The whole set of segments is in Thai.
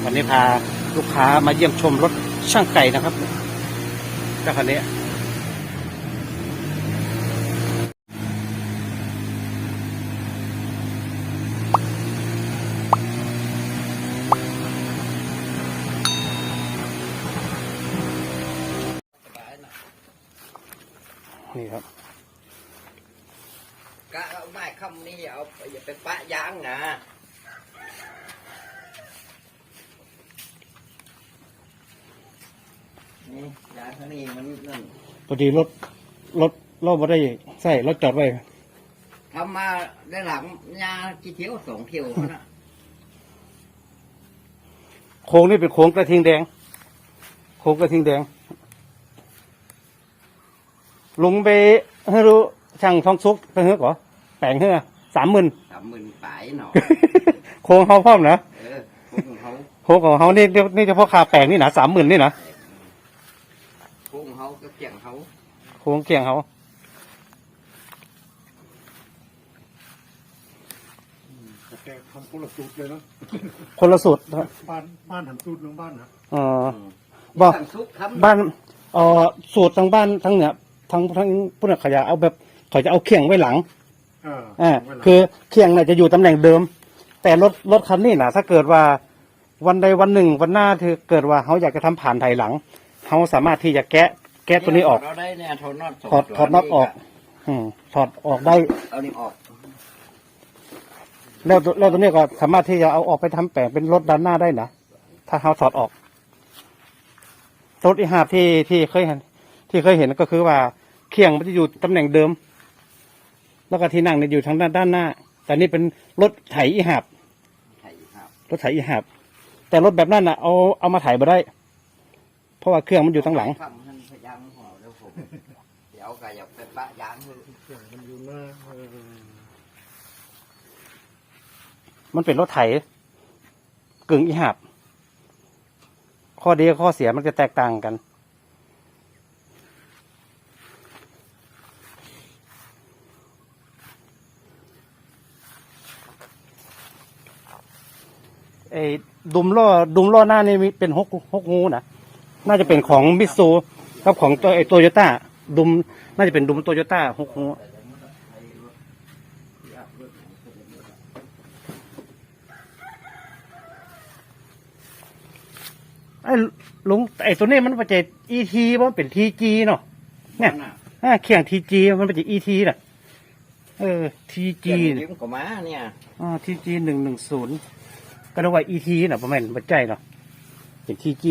วันนี้พาลูกค้ามาเยี่ยมชมรถช่างไก่นะครับเจ้าคันนี้นี่ครับกะเอาไม้คำนี้อย่าไปปะยางนะนี่ยางข้างนี้มันนั่นพอดีรถเราไม่ได้ใส่รถจอดไว้ทำมาได้หลังยากี่เที่ยว2 เที่ยวนะโค้งนี่เป็นโค้งกระทิงแดงโค้งกระทิงแดงลงไปให้รู้ช่างทองซุกไปเฮ้ยก่อแปลงเฮ้ย30,000 ปลายหน่อโค้งเขาพร้อมนะโค้งของเขาโค้งของเขานี่เฉพาะคาแปลงนี่นะ30,000นี่นะโค้งเขาก็เกี่ยงเขาโค้งเกี่ยงเขาแต่ทำคนละสูตรเลยเนาะคนละสูตรบ้านทำสูตรน้องบ้านนะบอกบ้านสูตรทางบ้านทั้งเนี่ยทั้งผู้นักขยะเอาแบบเขาจะเอาเคียงไว้หลังคือเคียงเนี่ยจะอยู่ตำแหน่งเดิมแต่รถคันนี้นะถ้าเกิดว่าวันใดวันหนึ่งวันหน้าที่เกิดว่าเขาอยากจะทำผ่านไถหลังเขาสามารถที่จะแกะตัวนี้ออกถอดน็อตออกถอดออกได้เอานี่ออกแล้วตัวนี้ก็สามารถที่จะเอาออกไปทำแปลงเป็นรถด้านหน้าได้นะถ้าเขาถอดออกรถอีหาบที่เคยเห็นก็คือว่าเคียงมันจะอยู่ตำแหน่งเดิมแล้วก็ที่นั่งเนี่ยอยู่ทางด้านหน้าแต่นี่เป็นรถไถอีหาบรถไถอีหาบแต่รถแบบนั้นน่ะเอามาไถมาได้เพราะว่าเครื่องมันอยู่ทางหลังเดี๋ยวก็อย่าไปปะยางมันอยู่หน้ามันเป็นรถไถกึ่งอีหาบข้อดีกับข้อเสียมันจะแตกต่างกันไอ้ดุมล้อหน้านี่มีเป็นหกงูนะน่าจะเป็นของมิตซูกับของตัวโตโยต้าดุมน่าจะเป็นดุมโตโยต้า6 งูไอ้ลุงไอ้ตัวนี้มันเป็นETมันเป็นTGเนาะเนี่ยเขียงTGมันเป็นETน่ะTG ยิ้มกับม้าเนี่ย TG 110ก็เรียกว่า ET น่ะประมาณบัดใจเนาะเป็น TG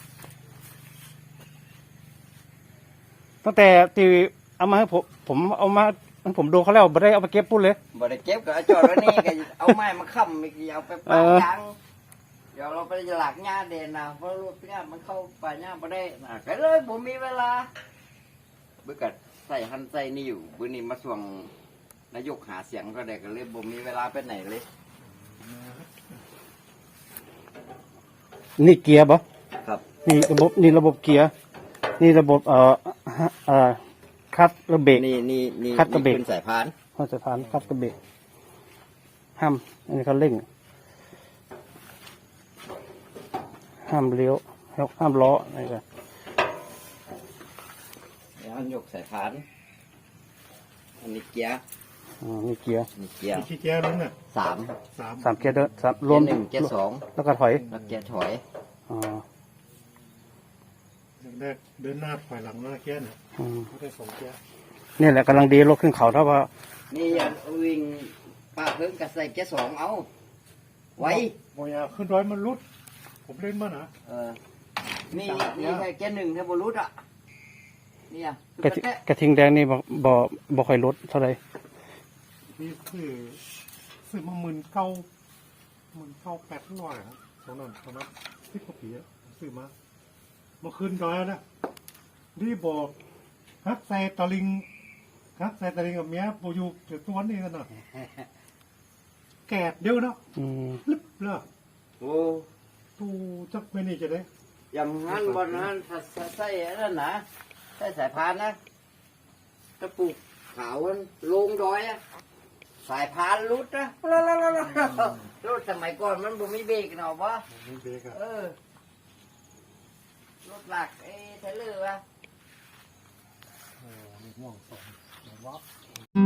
ตั้งแต่ที่เอามาให้ผมเอามาผมดูเขาแล้วบ่ได้เอาไปเก็บปุ๊บเลยบ่ได้เก็บก็จอดไว้นี่ก็เอาไม้มาค้ำอีกเอาไปปะยางเดี๋ยวเราไปหลักหญ้าเด่นนะเพราะรถหญ้ามันเข้าป่าหญ้าบ่ได้ก็เลยผมมีเวลาเบื่อกัดใส่หันใส่นี่อยู่บื้อนี้มาส่วงนายกหาเสียงก็ได้ก็เลยผมมีเวลาไปไหนเลยนี่เกียร์ปะครับนี่ระบบเกียร์นี่ระบบคัดระเบรกนี่คัดกระเบรกเป็นสายพานสายพานคัดกระเบรกห้ามอันนี้เขาเร่งห้ามเลี้ยวห้ามล้ออะไรกันแล้วยกสายพานอันนี้เกียร์นี่เกียร์กี่เกียร์ลุ้นอ่ะ 3เกียร์เดินรวม 1เกียร์2 แล้วก็ถอยแล้วเกียร์ถอยเดินหน้าถอยหลังหน้าเกียร์เนี่ยเขาได้2 เกียร์นี่แหละกำลังดีรถขึ้นเขาถ้าว่านี่วิ่งป้าเพิ่งกับใส่เกียร์2เอาไว้บอยาขึ้นร้อยมันรุดผมเล่นมานะนี่ใส่เกียร์1ถ้าบรุดอ่ะนี่กระทิงแดงนี่บ่ค่อยลดเท่าไหร่นี่ซื้อมา19,800ครับตอนนั้นที่เขาปีซื้อมาขึ้นร้อยแล้วนี่บอกฮักใส่ตะลิงกับเมียโบยูเดี๋ยวตัวนี้กันหน่อยแกดเดียวนะลึบเลยโอ้ตูจักไม่นี่จะได้อย่างนั้นบนนั้นใส่นั่นนะใส่สายพานนะตะปูขาวลงดอยอ่ะสายพานรุดนะรถสมัยก่อนมันบ่มีเบรกเนาะวะนี่เบรกอะรถหลักเทเลอร์วะโอ้นี่ม่วงสองวับ